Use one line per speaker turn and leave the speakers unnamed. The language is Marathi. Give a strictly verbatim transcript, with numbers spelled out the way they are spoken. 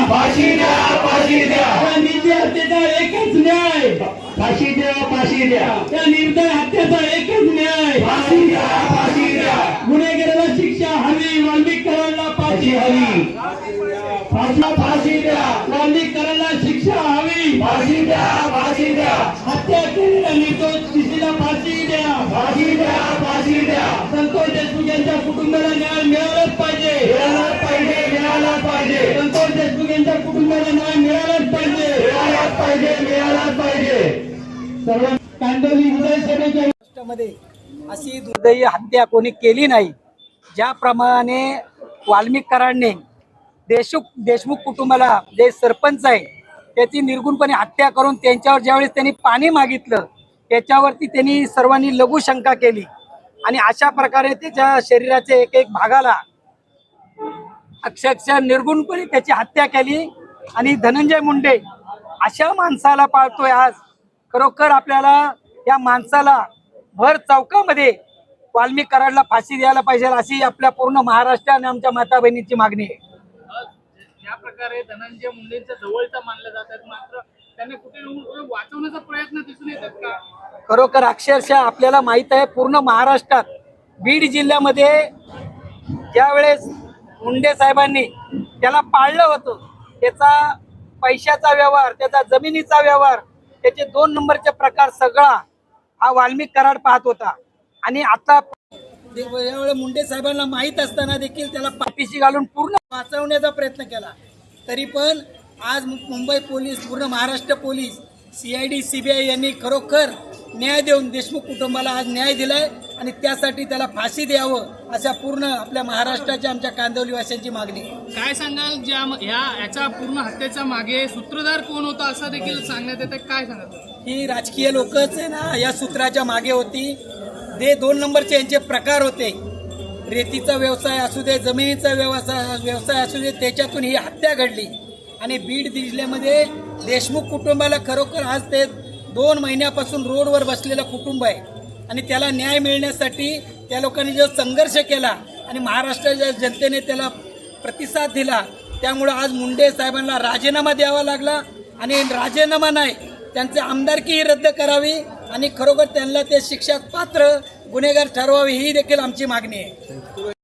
फाशी द्या फाशी द्या
त्या निर्दय हत्येचा एकच न्याय,
फाशी द्या फाशी द्या
त्या निर्दय हत्येचा एकच न्याय,
फाशी द्या फाशी द्या
गुन्हेगाराला शिक्षा हवी, वाल्मिकरांना फाशी हवी,
फाशी फाशी द्या
वाल्मिकरांना शिक्षा हवी,
फाशी द्या फाशी द्या
हत्या केलेल्या निर्दोष टीसीला फाशी द्या,
फाशी द्या फाशी द्या
संतोष देशमुख यांच्या कुटुंबाला न्याय मिळालाच पाहिजे,
मिळालाच पाहिजे मिळालाच पाहिजे
संतोष देशमुख यांच्या कुटुंबाला न्याय मिळालाच पाहिजे,
मिळालाच पाहिजे मिळालाच पाहिजे
सर्व कांदिवली विधानसभेच्या
महाराष्ट्रामध्ये अशी दुर्दैवी हत्या कोणी केली नाही. ज्याप्रमाणे वाल्मिकरांनी देशमुख देशमुख कुटुंबाला जे सरपंच आहे त्याची निर्गुणपणे हत्या करून त्यांच्यावर ज्यावेळेस त्यांनी पाणी मागितलं त्याच्यावरती त्यांनी सर्वांनी लघुशंका केली आणि अशा प्रकारे त्याच्या शरीराच्या एक एक भागाला अक्षरशः निर्गुणपणे त्याची हत्या केली. आणि धनंजय मुंडे अशा माणसाला पाळतोय आज. खरोखर आपल्याला या माणसाला भर चौकामध्ये वाल्मिकरांना फाशी द्यायला पाहिजे अशी आपल्या पूर्ण महाराष्ट्र आणि आमच्या माता बहिणीची मागणी आहे.
ज्या प्रकारे धनंजय मुंडेंच्या जवळचा मानलं जातात मात्र त्यांना कुठे वाचवण्याचा प्रयत्न दिसून येतात का?
खरोखर अक्षरशः आपल्याला माहित आहे पूर्ण महाराष्ट्रात बीड जिल्ह्यामध्ये ज्यावेळेस मुंडे साहेबांनी त्याला पाळलं होतं त्याचा पैशाचा व्यवहार, त्याचा जमिनीचा व्यवहार, त्याचे दोन नंबरचे प्रकार सगळा हा वाल्मिक कराड पाहत होता. आणि आता यावेळेस मुंडे साहेबांना माहीत असताना देखील त्याला पाठीशी घालून पूर्ण वाचवण्याचा प्रयत्न केला. तरी पण आज मुंबई पोलीस, पूर्ण Maharashtra police, C I D C B I यांनी खरोखर न्याय देऊन देशमुख कुटुंबाला आज न्याय दिलाय आणि त्यासाठी त्याला फाशी द्यावं अशा पूर्ण आपल्या महाराष्ट्राच्या आमच्या कांदिवलीवासियांची मागणी.
काय सांगाल ज्या ह्या याच्या पूर्ण हत्येच्या मागे सूत्रधार कोण होता असं देखील सांगण्यात येतं, काय सांगत?
ही राजकीय लोकच आहे ना या सूत्राच्या मागे होती. जे दोन नंबरचे यांचे प्रकार होते, रेतीचा व्यवसाय असू दे, जमिनीचा व्यवसाय व्यवसाय असू दे, त्याच्यातून ही हत्या घडली. आणि बीड जिल्ह्यामध्ये देशमुख कुटुंबाला खरोखर आज ते दोन महिन्यापासून रोडवर बसलेलं कुटुंब आहे आणि त्याला न्याय मिळण्यासाठी त्या लोकांनी जो संघर्ष केला आणि महाराष्ट्राच्या जनतेने त्याला प्रतिसाद दिला त्यामुळं आज मुंडे साहेबांना राजीनामा द्यावा लागला. आणि राजीनामा नाही, त्यांची आमदारकीही रद्द करावी आणि खरोखर त्यांना ते शिक्षा पात्र गुन्हेगार ठरवावे ही देखील आमची मागणी आहे.